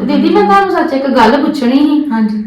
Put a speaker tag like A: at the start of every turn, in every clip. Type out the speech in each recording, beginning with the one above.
A: दीदी मैं ਤੁਹਾਨੂੰ ਸੱਚ ਇੱਕ ਗੱਲ ਪੁੱਛਣੀ ਸੀ।
B: ਹਾਂਜੀ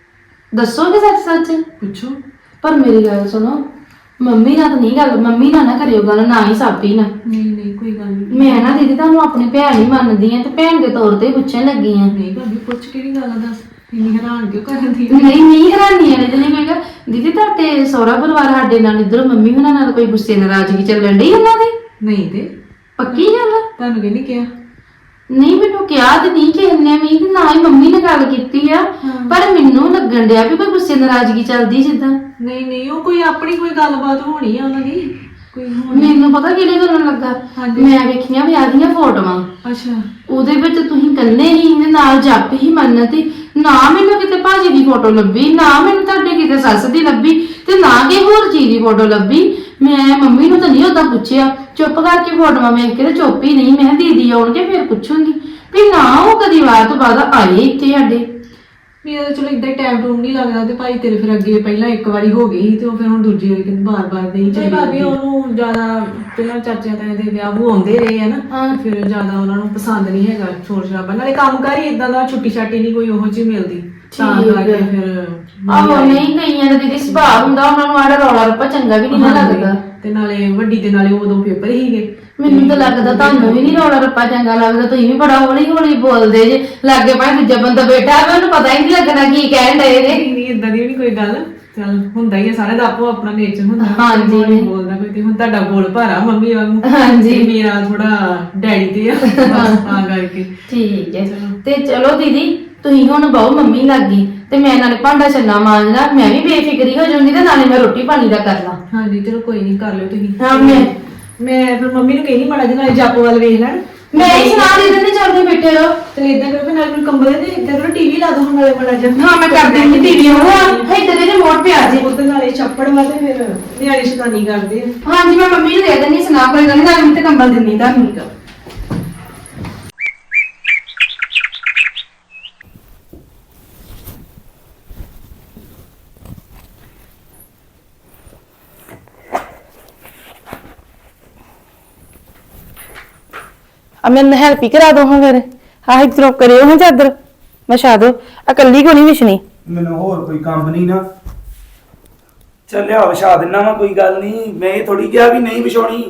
A: ਦੱਸੋਗੇ ਸੱਚ ਸੱਚ?
B: ਪੁੱਛੋ।
A: ਪਰ ਮੇਰੀ ਗੱਲ ਸੁਣੋ, ਮੰਮੀ ਨਾਲ ਤਾਂ ਨਹੀਂ ਗੱਲ, ਮੰਮੀ ਨਾਲ ਨਾ ਕਰਿਓ ਗੱਲ, ਨਾ ਹੀ ਸਾਬੀ ਨਾਲ।
B: ਨਹੀਂ ਨਹੀਂ ਕੋਈ ਗੱਲ ਨਹੀਂ।
A: ਮੈਂ ਨਾ ਦੀਦੀ ਤੁਹਾਨੂੰ ਆਪਣੀ ਭੈਣ ਹੀ ਮੰਨਦੀ ਆ ਤੇ ਭੈਣ ਦੇ ਤੌਰ ਤੇ ਪੁੱਛਣ ਲੱਗੀ ਆ।
B: ਨਹੀਂ ਭਾਬੀ ਪੁੱਛ ਕਿਹੜੀ ਗੱਲ ਆ, ਦੱਸ। ਇੰਨੀ ਹੈਰਾਨ ਕਿਉਂ ਕਰਦੀ?
A: ਨਹੀਂ ਹੈਰਾਨੀ ਵਾਲੀ ਤੇ ਨਹੀਂ। ਮੈਂ ਕਿਹਾ ਦੀਦੀ ਤੁਹਾਡੇ ਸਹੁਰਾ ਪਰਿਵਾਰ ਸਾਡੇ ਨਾਲ ਇੱਧਰ ਮੰਮੀ ਹੁਣਾਂ ਨਾਲ ਕੋਈ ਗੁੱਸੇ ਨਾਰਾਜ਼ਗੀ ਚੱਲਣ ਡਈ ਉਹਨਾਂ ਦੀ?
B: ਨਹੀਂ ਤੇ
A: ਪੱਕੀ ਗੱਲ ਆ?
B: ਤੁਹਾਨੂੰ ਕਿਹਨੇ ਕਿਹਾ?
A: ਨਹੀਂ ਮੈਨੂੰ ਕਿਹਾ ਤੇ ਨਹੀਂ ਕਿਸੇ ਨੇ ਵੀ, ਤੇ ਨਾ ਹੀ ਮੰਮੀ ਨੇ ਗੱਲ ਕੀਤੀ ਆ। ਪਰ ਮੈਨੂੰ ਲੱਗਣ ਡਿਆ ਵੀ ਕੋਈ ਗੁੱਸੇ ਨਾਰਾਜ਼ਗੀ ਚੱਲਦੀ ਜਿੱਦਾਂ।
B: ਨਹੀਂ ਨਹੀਂ ਉਹ ਕੋਈ ਆਪਣੀ ਕੋਈ ਗੱਲਬਾਤ ਹੋਣੀ ਆ ਉਹਨਾਂ ਦੀ, ਕੋਈ ਹੋਣੀ।
A: ਮੈਨੂੰ ਪਤਾ ਕਿਹੜੇ ਗੱਲੋਂ ਲੱਗਾ, ਮੈਂ ਵੇਖੀਆਂ ਵਿਆਹ ਦੀਆਂ ਫੋਟੋਆਂ।
B: ਅੱਛਾ।
A: ਉਹਦੇ ਵਿੱਚ ਤੁਸੀਂ ਕੱਲੇ ਹੀ ਨੇ, ਨਾਲ ਜੱਪ ਹੀ ਮੰਨਤੀ। ਨਾ ਮੈਨੂੰ ਕਿਤੇ ਭਾਜੀ ਦੀ ਫੋਟੋ ਲੱਭੀ, ਨਾ ਮੈਨੂੰ ਤੁਹਾਡੇ ਕਿਤੇ ਸੱਸ ਦੀ ਲੱਭੀ, ਤੇ ਨਾ ਕਿ ਹੋਰ ਚੀਜ਼ ਦੀ ਫੋਟੋ ਲੱਭੀ। ਮੈਂ ਮੰਮੀ ਨੂੰ ਤਾਂ ਨਹੀਂ ਉਦਾਂ ਪੁੱਛਿਆ, ਚੁੱਪ ਕਰਕੇ ਫੋਟੋਆਂ ਵੇਖ ਕੇ ਤੇ ਚੁੱਪ ਹੀ ਨਹੀਂ। ਮੈਂ ਦੀਦੀ ਆਉਣਗੇ ਫਿਰ ਪੁੱਛੂੰਗੀ ਵੀ ਨਾ ਉਹ ਕਦੀ ਵਾਰ ਤੋਂ ਬਾਅਦ ਆਏ ਇੱਥੇ ਸਾਡੇ।
B: ਮੇਰਾ ਤਾਂ ਚਲੋ ਇਦਾਂ ਟਾਈਮ ਟੂਮ ਨਹੀਂ ਲੱਗਦਾ, ਤੇ ਭਾਈ ਤੇਰੇ ਫਿਰ ਅੱਗੇ ਪਹਿਲਾਂ ਇੱਕ ਵਾਰੀ ਹੋ ਗਈ ਤੇ ਉਹ ਫਿਰ ਹੁਣ ਦੂਜੀ ਵਾਰੀ ਕਹਿੰਦੇ ਬਾਰ-ਬਾਰ ਨਹੀਂ ਚਾਹੀਦੀ। ਭਾਬੀ ਉਹਨੂੰ ਜ਼ਿਆਦਾ ਪਹਿਲਾਂ ਚਾਚਿਆਂ ਤਾਇਆਂ ਦੇ ਵਿਆਹ ਉਹ ਆਉਂਦੇ ਰਹੇ ਆ ਨਾ, ਫਿਰ ਜ਼ਿਆਦਾ ਉਹਨਾਂ ਨੂੰ ਪਸੰਦ ਨਹੀਂ ਹੈਗਾ ਸ਼ੋਰ ਸ਼ਰਾਬਾ, ਨਾਲੇ ਕੰਮਕਾਰ ਹੀ ਇਦਾਂ ਦਾ, ਛੁੱਟੀ ਛਾਟੀ ਨਹੀਂ ਕੋਈ ਉਹੋ ਜਿਹੀ ਮਿਲਦੀ, ਤਾਂ ਕਰਕੇ ਫਿਰ
A: ਆਹੋ ਨਹੀਂ ਕਈਆਂ ਦਾ ਦੀਦੀ ਸੁਭਾਅ ਹੁੰਦਾ, ਉਹਨਾਂ ਨੂੰ ਆੜਾ ਰੌਲਾ ਰੱਪਾ ਚੰਗਾ ਵੀ ਨਹੀਂ ਲੱਗਦਾ।
B: ਤੇ ਨਾਲੇ ਵੱਡੀ ਦੇ ਨਾਲੇ ਉਦੋਂ ਪੇਪਰ ਹੀਗੇ।
A: ਮੈਨੂੰ ਤਾਂ ਲੱਗਦਾ ਤੁਹਾਨੂੰ ਵੀ ਨਹੀਂ ਰੌਲਾ ਰੱਪਾ ਚੰਗਾ ਲੱਗਦਾ, ਤੁਸੀਂ ਵੀ ਬੜਾ ਹੌਲੀ ਹੌਲੀ ਬੋਲਦੇ ਜੇ। ਲਾਗੇ ਭਾਵੇਂ ਦੂਜਾ ਬੰਦਾ ਬੈਠਾ ਹੋਵੇ ਉਹਨੂੰ ਪਤਾ ਹੀ ਨਹੀਂ ਲੱਗਣਾ ਕੀ ਕਹਿਣ ਡਏ ਨੇ।
B: ਨਹੀਂ ਇਦਾਂ ਦੀ ਵੀ ਨਹੀਂ ਕੋਈ ਗੱਲ, ਚੱਲ ਹੁੰਦਾ ਹੀ ਆ, ਸਾਰੇ ਦਾ ਆਪੋ ਆਪਣਾ ਨੇਚਰ ਹੁੰਦਾ।
A: ਹਾਂਜੀ
B: ਬੋਲਦਾ ਕੋਈ, ਤੇ ਹੁਣ ਤੁਹਾਡਾ ਬੋਲ ਭਾਰਾ ਮੰਮੀ ਵਾਂਗੂ।
A: ਹਾਂਜੀ
B: ਮੇਰਾ ਥੋੜਾ ਡੈਡੀ ਤੇ ਆ ਤਾਂ ਕਰਕੇ।
A: ਠੀਕ ਹੈ ਤੇ ਚਲੋ ਦੀਦੀ ਤੁਸੀਂ ਹੁਣ ਬਹੁ ਮੰਮੀ ਲੱਗ ਗਈ ਤੇ ਮੈਂ ਨਾਲੇ ਭਾਂਡਾ ਛੰਨਾ ਮਾਂਜਦਾ, ਮੈਂ ਵੀ ਬੇਫਿਕਰੀ ਹੋ ਜਾਊਂਗੀ ਤੇ ਨਾਲੇ ਮੈਂ ਰੋਟੀ ਪਾਣੀ ਦਾ ਕਰਨਾ।
B: ਹਾਂਜੀ ਚਲੋ ਕੋਈ ਨਹੀਂ, ਕਰ ਲਿਓ ਤੁਸੀਂ।
A: ਹਾਂ
B: ਮੈਂ ਫਿਰ ਮੰਮੀ ਨੂੰ ਕਹਿੰਦੀ ਮਾੜਾ ਜਿਹਾ ਨਾਲੇ ਜਾਪੋ ਵੱਲ ਵੇਖ ਲੈਣ।
A: ਮੈਂ ਹੀ ਸੁਣਾ ਦੇ ਦਿੰਦੀ, ਚੱਲਦੇ ਬੈਠੇ ਰਹੋ।
B: ਤੇ ਇਦਾਂ ਕਰੋ ਨਾਲੇ ਮੈਨੂੰ ਕੰਬਲ ਦੇ ਇੱਧਰ ਕਰੋ, ਟੀਵੀ ਲਾ ਦੋ ਨਾਲੇ ਮਾੜਾ ਜਿਹਾ।
A: ਹਾਂ ਮੈਂ ਕਰ ਦਿੰਦੀ ਟੀਵੀ ਉਹ ਇੱਧਰ ਦੇ ਰਿਮੋਟ ਪਿਆ ਜੀ
B: ਉਹਦੇ ਨਾਲੇ ਛੱਪੜ ਵਾ ਤੇ ਫਿਰ ਨਿਆਣੇ ਸ਼ੈਤਾਨੀ ਕਰਦੇ ਆ।
A: ਹਾਂਜੀ ਮੈਂ ਮੰਮੀ ਨੂੰ ਦੇ ਦਿੰਦੀ, ਸੁਣਾ ਕੋਈ ਗੱਲ ਨਹੀਂ, ਨਾਲੇ ਮੈਂ ਤੇ ਕੰਬਲ ਦਿੰਦੀ ਤੁਹਾਨੂੰ।
C: मैं हेल्प ही करा दो हाँ फिर। हाँ इधरों करियो हाँ चादर विछा दो, अकली को नहीं विछनी।
D: ਮੈਨੂੰ ਹੋਰ ਕੋਈ ਕੰਮ ਨਹੀਂ ਨਾ, ਚੱਲਿਆ ਵਿਛਾ ਦਿੰਨਾ ਵਾ, ਕੋਈ ਗੱਲ ਨਹੀਂ। ਮੈਂ ਇਹ ਥੋੜੀ ਕਿਹਾ ਵੀ ਨਹੀਂ ਵਿਛਾਉਣੀ,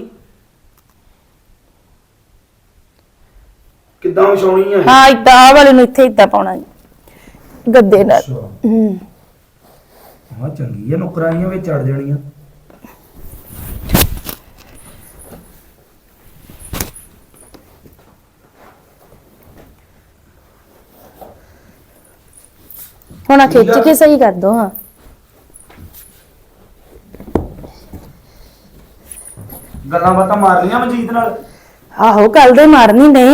D: ਕਿੱਦਾਂ ਵਿਛਾਉਣੀ ਆ?
C: हाँ इदा आ वाले नु इथे इदा पाउना गद्दे नाल।
D: ਹਾਂ ਚੰਗੀ ਆ, ਨੁਕਰਾਈਆਂ ਵਿੱਚ ਚੜ ਜਾਣੀਆਂ।
C: हुण खिंच के सही कर दो। हाँ
D: ਗੱਲਾਂ ਬਾਤਾਂ ਮਾਰ ਲੀਆਂ ਮਨਜੀਤ ਨਾਲ?
C: आहो कल दे मारनी नहीं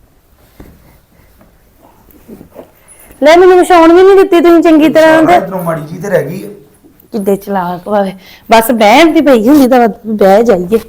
C: ले, मैनू विछाउण भी नहीं दित्ती तुसीं चंगी तरह। ते
D: ਇਧਰੋਂ ਮਾੜੀ ਜੀ ਤੇ ਰਹਿ ਗਈ ਆ।
C: किद्दे चलाक वावे, बस बहन दी पई हुंदी तां बह जाइए।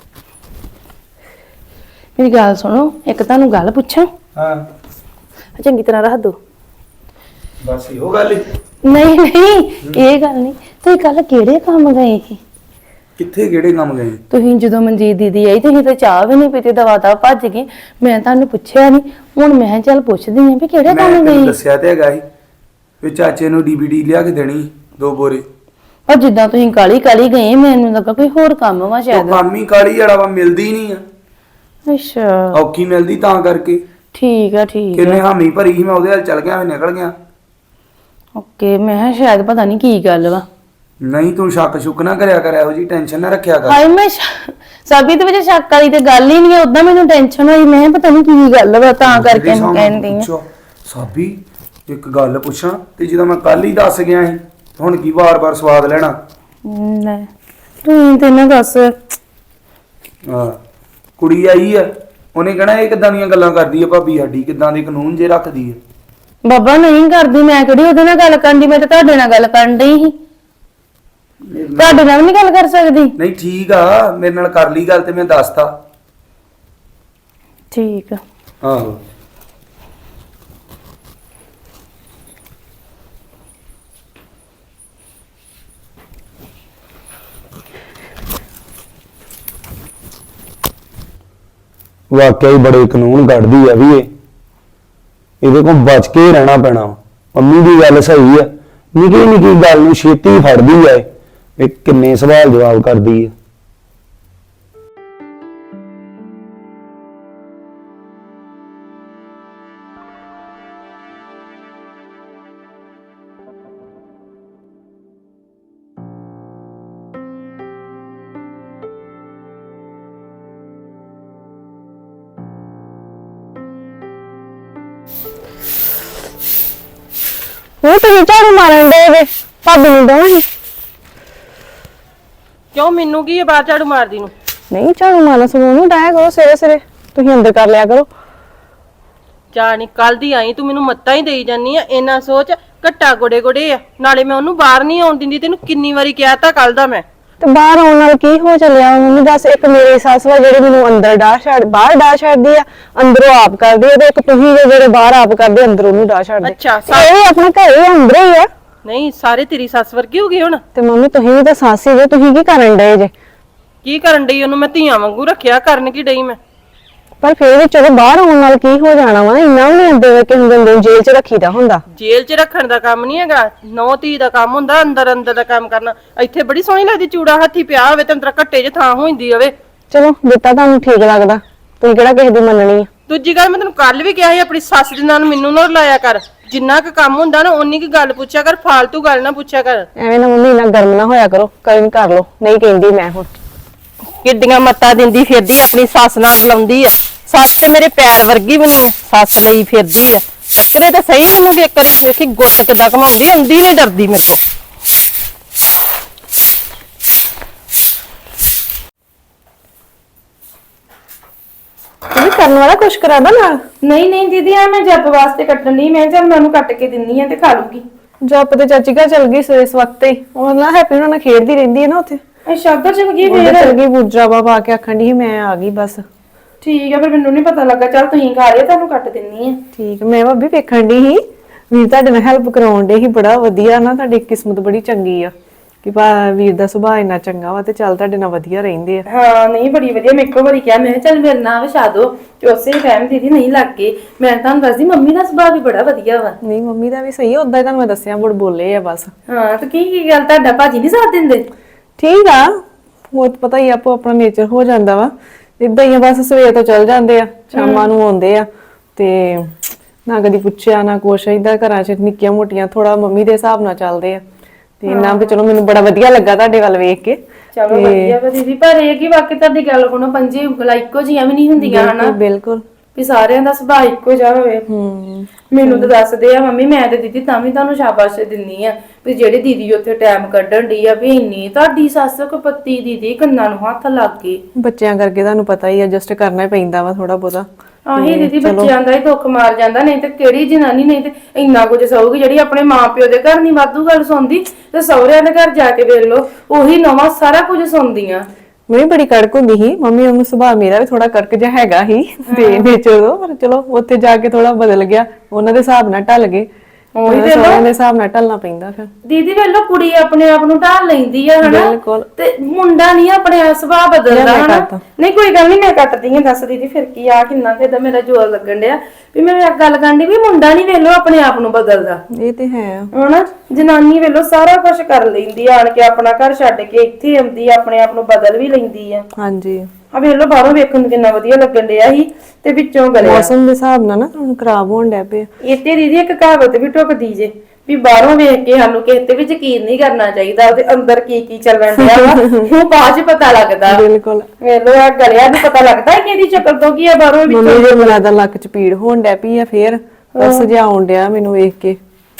C: मेरी गल सुनो, एक तुहानू गल पुछां?
D: ਹਾਂ
C: चंगी तरह रख दो।
D: ਬਸ ਇਹੋ ਗੱਲ ਈ।
C: नहीं नहीं ये गल नहीं, तुसीं कल किहड़े काम गए ਸੀ?
D: ਕਿੱਥੇ ਕਿਹੜੇ ਕੰਮ ਗਏ?
C: ਤੁਸੀਂ ਜਦੋਂ ਮਨਜੀਤ ਦੀਦੀ ਆਈ ਤੁਸੀਂ ਤਾਂ ਚਾਹ ਵੀ ਨਹੀਂ ਪੀਤੀ, ਦਵਾ ਦਾ ਭੱਜ ਗਈ। ਮੈਂ ਤੁਹਾਨੂੰ ਪੁੱਛਿਆ ਨਹੀਂ, ਹੁਣ ਮੈਂ ਕਿਹਾ ਚੱਲ ਪੁੱਛਦੀ ਆਂ ਵੀ ਕਿਹੜੇ ਕੰਮ
D: ਮੈਂ
C: ਗਏ।
D: ਦੱਸਿਆ ਤੇ ਹੈਗਾ ਸੀ ਵੀ ਚਾਚੇ ਨੂੰ ਡੀਵੀਡੀ ਲਿਆ ਕੇ ਦੇਣੀ 2 ਬੋਰੇ।
C: ਪਰ ਜਿੱਦਾਂ ਤੁਸੀਂ ਕਾਲੀ ਕਾਲੀ ਗਏ, ਮੈਨੂੰ ਲੱਗਾ ਕੋਈ ਹੋਰ ਕੰਮ ਵਾ
D: ਉਹ
C: ਸ਼ਾਇਦ।
D: ਕੰਮ ਹੀ ਕਾਲੀ ਵਾਲਾ ਵਾ, ਮਿਲਦੀ ਨਹੀਂ ਆ।
C: ਅੱਛਾ
D: ਔਖੀ ਮਿਲਦੀ ਤਾਂ ਕਰਕੇ।
C: ਠੀਕ ਆ ਠੀਕ
D: ਕਿੰਨੇ
C: ਆ।
D: ਹਾਮੀ ਭਰੀ ਸੀ, ਮੈਂ ਉਹਦੇ ਨਾਲ ਚੱਲ ਗਿਆ, ਮੈਂ ਨਿਕਲ ਗਿਆ।
C: ਓਕੇ, ਮੈਂ ਕਿਹਾ ਸ਼ਾਇਦ ਪਤਾ ਨਹੀਂ ਕੀ ਗੱਲ ਵਾ।
D: ਨਹੀਂ ਤੂੰ ਸ਼ੱਕ ਸ਼ੁਕ ਨਾ ਕਰਿਆ ਕਰ, ਇਹੋ ਜੀ ਟੈਨਸ਼ਨ ਨਾ ਰੱਖਿਆ ਕਰ।
C: ਹਾਏ ਮੈਂ ਸਾਬੀ ਦੇ ਵਿੱਚ ਸ਼ੱਕ ਵਾਲੀ ਤੇ ਗੱਲ ਹੀ ਨਹੀਂ, ਉਦਾਂ ਮੈਨੂੰ ਟੈਨਸ਼ਨ ਹੋਈ, ਮੈਂ ਕਿਹਾ ਪਤਾ ਨਹੀਂ ਕੀ ਗੱਲ ਵਾ, ਤਾਂ ਕਰਕੇ ਮੈਂ ਕਹਿੰਦੀ ਆ।
D: ਸਾਬੀ ਇੱਕ ਗੱਲ ਪੁੱਛਾਂ, ਤੇ ਜਦੋਂ ਮੈਂ ਕੱਲ ਹੀ ਦੱਸ ਗਿਆ ਸੀ, ਹੁਣ ਕੀ ਵਾਰ-ਵਾਰ ਸਵਾਦ ਲੈਣਾ?
C: ਲੈ ਤੂੰ ਤੇ ਨਾ ਦੱਸ।
D: ਹਾਂ ਕੁੜੀ ਆਈ ਆ, ਉਹਨੇ ਕਹਿਣਾ ਇਹ ਕਿੱਦਾਂ ਦੀਆਂ ਗੱਲਾਂ ਕਰਦੀ ਆ ਭਾਬੀ ਸਾਡੀ, ਕਿੱਦਾਂ ਦੇ ਕਾਨੂੰਨ ਜੇ ਰੱਖਦੀ ਆ।
C: ਬਾਬਾ ਨਹੀਂ ਕਰਦੀ, ਮੈਂ ਕਿਹੜੀ ਉਹਦੇ ਨਾਲ ਗੱਲ ਕਰਨ ਦੀ, ਮੈਂ ਤਾਂ ਤੁਹਾਡੇ ਨਾਲ ਗੱਲ ਕਰਨ ਡਈ ਸੀ। ਤੁਹਾਡੇ ਨਾਲ ਨਹੀਂ ਗੱਲ ਕਰ ਸਕਦੀ?
D: ਨਹੀਂ ਠੀਕ ਆ, ਮੇਰੇ ਨਾਲ ਕਰ ਲਈ ਗੱਲ ਤੇ ਮੈਂ ਦੱਸਤਾ।
C: ਠੀਕ ਆ।
D: ਆਹੋ ਵਾਕਿਆ ਹੀ ਬੜੇ ਕਾਨੂੰਨ ਕੱਢਦੀ ਆ ਵੀ ਇਹਦੇ ਕੋਲ ਬਚ ਕੇ ਹੀ ਰਹਿਣਾ ਪੈਣਾ ਵਾ। ਮੰਮੀ ਦੀ ਗੱਲ ਸਹੀ ਆ, ਨਿੱਕੀ ਨਿੱਕੀ ਗੱਲ ਨੂੰ ਛੇਤੀ ਫੜਦੀ ਆ ਇਹ ਕਿੰਨੇ ਸਵਾਲ ਜਵਾਬ ਕਰਦੀ ਆ।
C: ਉਹ ਤੁਸੀਂ ਝਾੜੂ ਮਾਰਨ ਦੇ ਵੇ ਭਾਬੀ ਨੂੰ ਦੋ ਹੀ
E: ਕਿਉਂ ਮੈਨੂੰ ਕੀ ਹੈ ਬਾਹਰ ਝਾੜੂ ਮਾਰਦੀ ਨੂੰ?
C: ਨਹੀਂ ਝਾੜੂ ਮਾਰਨਾ ਸਗੋਂ ਨੂੰ ਡਾਇਆ ਕਰੋ ਸਵੇਰੇ ਸਵੇਰੇ ਤੁਸੀਂ ਅੰਦਰ ਕਰ ਲਿਆ ਕਰੋ।
E: ਜਾਣੀ ਕੱਲ ਦੀ ਆਈ ਤੂੰ ਮੈਨੂੰ ਮੱਤਾਂ ਹੀ ਦੇਈ ਜਾਨੀ ਆ। ਇੰਨਾ ਸੋਚ ਘੱਟਾ ਗੋੜੇ ਗੋੜੇ ਆ, ਨਾਲੇ ਮੈਂ ਉਹਨੂੰ ਬਾਹਰ ਨਹੀਂ ਆਉਣ ਦਿੰਦੀ। ਤੈਨੂੰ ਕਿੰਨੀ ਵਾਰੀ ਕਿਹਾ ਤਾਂ ਕੱਲ ਦਾ ਮੈਂ।
C: ਤੇ ਬਾਹਰ ਆਉਣ ਨਾਲ ਕੀ ਹੋ ਚੱਲਿਆ? ਮੈਨੂੰ ਦੱਸ, ਇੱਕ ਮੇਰੀ ਸੱਸ ਵਾ ਜਿਹੜੀ ਮੈਨੂੰ ਅੰਦਰ ਡਾਹ ਛੱਡ ਬਾਹਰ ਡਾਹ ਛੱਡਦੀ ਆ, ਅੰਦਰੋਂ ਆਪ ਕਰਦੀ ਆ, ਤੇ ਇੱਕ ਤੁਸੀਂ ਜਿਹੜੇ ਬਾਹਰ ਆਪ ਕਰਦੇ ਅੰਦਰੋਂ ਨੂੰ ਡਾਹ ਛੱਡਦੇ।
E: ਅੱਛਾ,
C: ਇਹ ਵੀ ਆਪਣਾ ਘਰ ਹੀ ਅੰਦਰ ਹੀ ਆ।
E: ਨਹੀਂ ਸਾਰੇ ਤੇਰੀ ਸੱਸ ਵਰਗੀ ਹੋ ਗਈ ਹੁਣ।
C: ਤੇ ਮੰਮੀ ਤੁਸੀਂ ਵੀ ਤਾਂ ਸੱਸ ਹੀ ਜੇ, ਤੁਸੀਂ ਕੀ ਕਰਨ ਡਏ ਜੇ?
E: ਕੀ ਕਰਨ ਡਈ? ਉਹਨੂੰ ਮੈਂ ਧੀਆਂ ਵਾਂਗੂ ਰੱਖਿਆ, ਕਰਨ ਕੀ ਡਈ ਮੈਂ?
C: ਪਰ ਫਿਰ ਵੀ ਚਲੋ ਬਾਹਰ ਆਉਣ ਨਾਲ ਕੀ ਹੋ ਜਾਣਾ ਵਾ? ਇੰਨਾ ਵੀ ਨਹੀਂ ਅੰਦਰ ਕਿ ਹੁੰਦੇ ਨੂੰ ਜੇਲ੍ਹ 'ਚ ਰੱਖੀਦਾ ਹੁੰਦਾ।
E: ਜੇਲ੍ਹ 'ਚ ਰੱਖਣ ਦਾ ਕੰਮ ਨਹੀਂ ਹੈਗਾ, ਨੌ ਧੀ ਦਾ ਕੰਮ ਹੁੰਦਾ ਅੰਦਰ ਅੰਦਰ ਦਾ ਕੰਮ ਕਰਨਾ। ਇੱਥੇ ਬੜੀ ਸੋਹਣੀ ਲੱਗਦੀ, ਚੂੜਾ ਹੱਥੀ ਪਿਆ ਹੋਵੇ ਤੇ ਅੰਦਰ ਘੱਟੇ 'ਚ ਥਾਂ ਹੋ ਜਾਂਦੀ ਹੋਵੇ।
C: ਚਲੋ ਦਿੱਤਾ ਤੁਹਾਨੂੰ ਠੀਕ ਲੱਗਦਾ, ਤੁਸੀਂ ਕਿਹੜਾ ਕਿਸੇ ਦੀ ਮੰਨਣੀ ਆ?
E: ਦੂਜੀ ਗੱਲ ਮੈਂ ਤੈਨੂੰ ਕੱਲ ਵੀ ਕਿਹਾ ਸੀ, ਆਪਣੀ ਸੱਸ ਦੇ ਨਾਲ ਮੈਨੂੰ ਨਾ ਲਾਇਆ ਕਰ। ਜਿੰਨਾ ਕੁ ਕੰਮ ਹੁੰਦਾ ਨਾ ਓਨੀ ਕੀ ਗੱਲ ਪੁੱਛਿਆ ਕਰ, ਫਾਲਤੂ ਗੱਲ ਨਾ ਪੁੱਛਿਆ ਕਰ।
C: ਐਵੇਂ ਨਾ ਮੰਮੀ ਇੰਨਾ ਗਰਮ ਨਾ ਹੋਇਆ ਕਰੋ, ਕੋਈ ਕਰ ਲੋ, ਨਹੀਂ ਕਹਿੰਦੀ ਮੈਂ ਹੁਣ।
E: ਕਿੱਡੀਆਂ ਮੱਤਾਂ ਦਿੰਦੀ ਫਿਰਦੀ, ਆਪਣੀ ਸੱਸ ਨਾਲ ਬੁਲਾਉਂਦੀ ਆ। ਸੱਸ ਤੇ ਮੇਰੇ ਪੈਰ ਵਰਗੀ ਵੀ ਨਹੀਂ, ਸੱਸ ਲਈ ਫਿਰਦੀ ਆ। ਟੱਕਰੇ ਤਾਂ ਸਹੀ ਮੈਨੂੰ ਵੀ ਇੱਕ ਵਾਰੀ ਵੇਖੀ ਗੁੱਟ ਕਿੱਦਾਂ ਘਮਾਉਂਦੀ, ਆਉਂਦੀ ਨਹੀਂ ਡਰਦੀ ਮੇਰੇ ਤੋਂ।
C: ਤੁਸੀਂ ਕਰਨ ਵਾਲਾ ਕੁਛ ਕਰਾਦਾ ਨਾਲ?
A: ਨਹੀਂ ਨਹੀਂ ਦੀਦੀ, ਆ ਮੈਂ ਜੱਪ ਵਾਸਤੇ ਕੱਟਣ ਲਈ, ਮੈਂ ਚੱਲ ਮੈਂ ਉਹਨੂੰ ਕੱਟ ਕੇ ਦਿੰਨੀ ਆ ਤੇ ਖਾ ਲੂਗੀ।
C: ਜੱਪ ਤੇ ਚਾਚੀ ਘਰ ਚਲ ਗਈ ਇਸ ਵਕਤ ਹੀ, ਉਹ ਨਾ ਹੈਪੀ ਉਹਨਾਂ ਨਾਲ ਖੇਡਦੀ ਰਹਿੰਦੀ ਹੈ ਨਾ ਉੱਥੇ।
A: ਅੱਛਾ, ਉੱਧਰ ਚਲ ਗਈ
C: ਉਹਦੇ
A: ਫੇਰ?
C: ਚਲ ਗਈ ਬੂਜਰਾਵਾ ਪਾ ਕੇ, ਆਖਣ ਦੀ ਮੈਂ ਆ ਗਈ ਬਸ।
A: ਠੀਕ ਆ, ਫਿਰ ਮੈਨੂੰ ਨਹੀਂ ਪਤਾ ਲੱਗਾ। ਚੱਲ ਤੁਸੀਂ ਖਾ ਲਿਆ, ਤੁਹਾਨੂੰ ਕੱਟ ਦਿੰਨੀ ਆ।
C: ਠੀਕ, ਮੈਂ ਭਾਬੀ ਵੇਖਣ ਦੀ ਸੀ ਵੀਰ ਤੁਹਾਡੇ ਨਾਲ ਹੈਲਪ ਕਰਾਉਣ ਦੇ ਸੀ, ਬੜਾ ਵਧੀਆ ਨਾ, ਤੁਹਾਡੀ ਕਿਸਮਤ ਬੜੀ ਚੰਗੀ ਆ ਕਿ ਵੀਰ ਦਾ ਸੁਭਾਅ ਇੰਨਾ ਚੰਗਾ ਵਾ ਤੇ ਚੱਲ ਤੁਹਾਡੇ ਨਾਲ ਵਧੀਆ ਰਹਿੰਦੇ ਆ।
A: ਹਾਂ ਨਹੀਂ, ਬੜੀ ਵਧੀਆ। ਮੈਂ ਇੱਕੋ ਵਾਰੀ ਕਿਹਾ, ਮੈਂ ਕਿਹਾ ਚੱਲ ਮੇਰੇ ਨਾਲ ਵਿਛਾ ਦੋ, ਤੇ ਉਸੇ ਟਾਈਮ ਦੀਦੀ ਨਹੀਂ ਲੱਗ ਗਏ। ਮੈਂ ਤੁਹਾਨੂੰ ਦੱਸਦੀ, ਮੰਮੀ ਦਾ ਸੁਭਾਅ ਵੀ ਬੜਾ ਵਧੀਆ ਵਾ।
C: ਨਹੀਂ ਮੰਮੀ ਦਾ ਵੀ ਸਹੀ, ਉਦਾਂ ਹੀ ਤੁਹਾਨੂੰ ਮੈਂ ਦੱਸਿਆ, ਬੜ ਬੋਲੇ ਆ ਬਸ।
A: ਹਾਂ, ਤੇ ਕੀ ਗੱਲ, ਤੁਹਾਡਾ ਭਾਜੀ ਨਹੀਂ ਸਾਥ ਦਿੰਦੇ?
C: ਠੀਕ ਆ, ਉਹ ਤਾਂ ਪਤਾ ਹੀ ਆਪੋ ਆਪਣਾ ਨੇਚਰ ਹੋ ਜਾਂਦਾ ਵਾ, ਇਦਾਂ ਹੀ ਆ ਬਸ। ਸਵੇਰ ਤੋਂ ਚੱਲ ਜਾਂਦੇ ਆ, ਸ਼ਾਮਾਂ ਨੂੰ ਆਉਂਦੇ ਆ, ਤੇ ਨਾ ਕਦੀ ਪੁੱਛਿਆ ਨਾ ਕੁਛ। ਏਦਾਂ ਘਰਾਂ 'ਚ ਨਿੱਕੀਆਂ ਮੋਟੀਆਂ ਥੋੜਾ ਮੰਮੀ ਦੇ ਹਿਸਾਬ ਨਾਲ ਚੱਲਦੇ ਆ, ਤੇ ਇੰਨਾ ਵੀ ਚਲੋ ਮੈਨੂੰ ਬੜਾ ਵਧੀਆ ਲੱਗਾ ਤੁਹਾਡੇ ਵੱਲ ਵੇਖ ਕੇ।
A: ਚਲੋ ਵਧੀਆ ਵਾ ਦੀਦੀ, ਪਰ ਇਹ ਕਿ ਵਾਕਈ ਤੁਹਾਡੀ ਗੱਲ ਕੋਲੋਂ ਪੰਜੇ ਉਂਗਲਾਂ ਇੱਕੋ ਜਿਹੀਆਂ ਵੀ ਨਹੀਂ ਹੁੰਦੀਆਂ ਹਨਾ,
C: ਬਿਲਕੁਲ
A: ਵੀ ਸਾਰਿਆਂ ਦਾ ਸੁਭਾਅ ਇੱਕੋ ਜਿਹਾ ਹੋਵੇ। ਮੈਨੂੰ ਤਾਂ ਦੱਸਦੇ ਆ ਮੰਮੀ, ਮੈਂ ਤੇ ਦੀਦੀ ਤਾਂ ਵੀ ਤੁਹਾਨੂੰ ਸ਼ਾਬਾਸ਼ ਦਿੰਨੀ ਆ ਵੀ ਜਿਹੜੀ ਦੀਦੀ ਉੱਥੇ ਟਾਈਮ ਕੱਢਣ ਡਈ ਆ, ਵੀ ਇੰਨੀ ਤੁਹਾਡੀ ਸੱਸ ਕਪੱਤੀ ਦੀਦੀ, ਕੰਨਾਂ ਨੂੰ ਹੱਥ ਲੱਗ ਗਏ।
C: ਬੱਚਿਆਂ ਕਰਕੇ ਤੁਹਾਨੂੰ ਪਤਾ ਹੀ ਐਡਜਸਟ ਕਰਨਾ ਹੀ ਪੈਂਦਾ ਵਾ ਥੋੜਾ ਬਹੁਤਾ।
A: ਆਹੀ ਦੀਦੀ, ਬੱਚਿਆਂ ਦਾ ਹੀ ਦੁੱਖ ਮਾਰ ਜਾਂਦਾ। ਨਹੀਂ ਤੇ ਕਿਹੜੀ ਜਨਾਨੀ ਨਹੀਂ ਤੇ ਇੰਨਾ ਕੁਝ ਸਹੂਗੀ, ਜਿਹੜੀ ਆਪਣੇ ਮਾਪਿਓ ਦੇ ਘਰ ਨਹੀਂ ਵਾਧੂ ਗੱਲ ਸੁਣਦੀ, ਤੇ ਸਹੁਰਿਆਂ ਦੇ ਘਰ ਜਾ ਕੇ ਵੇਖ ਲਓ, ਉਹੀ ਨਵਾਂ ਸਾਰਾ ਕੁਝ ਸੁਣਦੀਆਂ।
C: ਮੈਂ ਬੜੀ ਕੜਕ ਹੁੰਦੀ ਸੀ, ਮੰਮੀ ਉਹਨੂੰ ਸੁਭਾਅ ਮੇਰਾ ਵੀ ਥੋੜਾ ਕੜਕ ਜਿਹਾ ਹੈਗਾ ਸੀ ਤੇ ਨੇਚਰ ਦਾ, ਪਰ ਚਲੋ ਉੱਥੇ ਜਾ ਕੇ ਥੋੜਾ ਬਦਲ ਗਿਆ, ਉਹਨਾਂ ਦੇ ਹਿਸਾਬ ਨਾਲ ਢਲ ਗਏ। ਉਹੀ ਦੇ ਹਿਸਾਬ ਨਾਲ ਢਲਣਾ ਪੈਂਦਾ ਫਿਰ।
A: ਦੀਦੀ ਵੇਲੋ, ਕੁੜੀ ਆਪਣੇ ਆਪ ਨੂੰ ਢਾਲ ਲੈਂਦੀ ਆ ਹਨਾ,
C: ਬਿਲਕੁਲ।
A: ਤੇ ਮੁੰਡਾ ਨਹੀਂ ਆਪਣੇ ਸੁਭਾਅ ਬਦਲਦਾ ਹਨਾ। ਨਹੀਂ ਕੋਈ ਗੱਲ ਨਹੀਂ, ਮੈਂ ਕੱਟਦੀ ਆ। ਦੱਸ ਦੀਦੀ ਫਿਰ ਕੀ ਆ, ਕਿੰਨਾ ਕਿਦਾ ਮੇਰਾ ਜ਼ੋਰ ਲੱਗਣ ਡਿਆ ਵੀ ਮੈਂ ਗੱਲ ਕਰਨੀ ਵੀ ਮੁੰਡਾ ਨਹੀਂ ਵੇਲੋ ਆਪਣੇ ਆਪ ਨੂੰ ਬਦਲਦਾ।
C: ਇਹ ਤੇ ਹੈ
A: ਹਨਾ, ਜਨਾਨੀ ਵੇਲੋ ਸਾਰਾ ਕੁਝ ਕਰ ਲੈਂਦੀ ਆ, ਆਣ ਕੇ ਆਪਣਾ ਘਰ ਛੱਡ ਕੇ ਇੱਥੇ ਆਉਂਦੀ ਆ, ਆਪਣੇ ਆਪ ਨੂੰ ਬਦਲ ਵੀ ਲੈਂਦੀ ਆ।
C: ਹਾਂਜੀ,
A: ਆ ਵੇਲੋ ਬਾਹਰੋਂ ਵੇਖਣ ਨੂੰ ਕਿੰਨਾ ਵਧੀਆ ਲੱਗਣ ਡਿਆ ਸੀ, ਤੇ ਵਿੱਚੋਂ ਗਲਿਆ।
C: ਮੌਸਮ ਦੇ ਹਿਸਾਬ ਨਾਲ ਨਾ ਤੁਹਾਨੂੰ ਖਰਾਬ ਹੋਣ ਡਿਆ ਪਿਆ।
A: ਇੱਥੇ ਦੀਦੀ ਇੱਕ ਕਹਾਵਤ ਵੀ ਟੁੱਕਦੀ ਜੇ ਵੀ ਬਾਹਰੋਂ ਵੇਖ ਕੇ ਸਾਨੂੰ ਕਿਸੇ ਤੇ ਵੀ ਯਕੀਨ ਨਹੀਂ ਕਰਨਾ ਚਾਹੀਦਾ, ਉਹਦੇ ਅੰਦਰ ਕੀ ਕੀ ਚੱਲਣ ਡਿਆ ਵਾ ਉਹ ਬਾਅਦ ਚ ਪਤਾ ਲੱਗਦਾ।
C: ਬਿਲਕੁਲ,
A: ਵੇਲੋ ਆ ਗਲਿਆ ਨੂੰ ਪਤਾ ਲੱਗਦਾ ਕਿ ਇਹਦੀ ਸ਼ਕਲ ਤੋਂ ਕੀ ਆ ਬਾਹਰੋਂ ਵਿੱਚ।
C: ਮੰਮੀ ਦੇ ਮਿਲਾ ਦਾ ਲੱਕ ਚ ਪੀੜ ਹੋਣ ਡਿਆ ਪਈ ਆ, ਫੇਰ ਬਸ ਜਿਆਉਣ ਡਿਆ ਮੈਨੂੰ ਵੇਖ ਕੇ।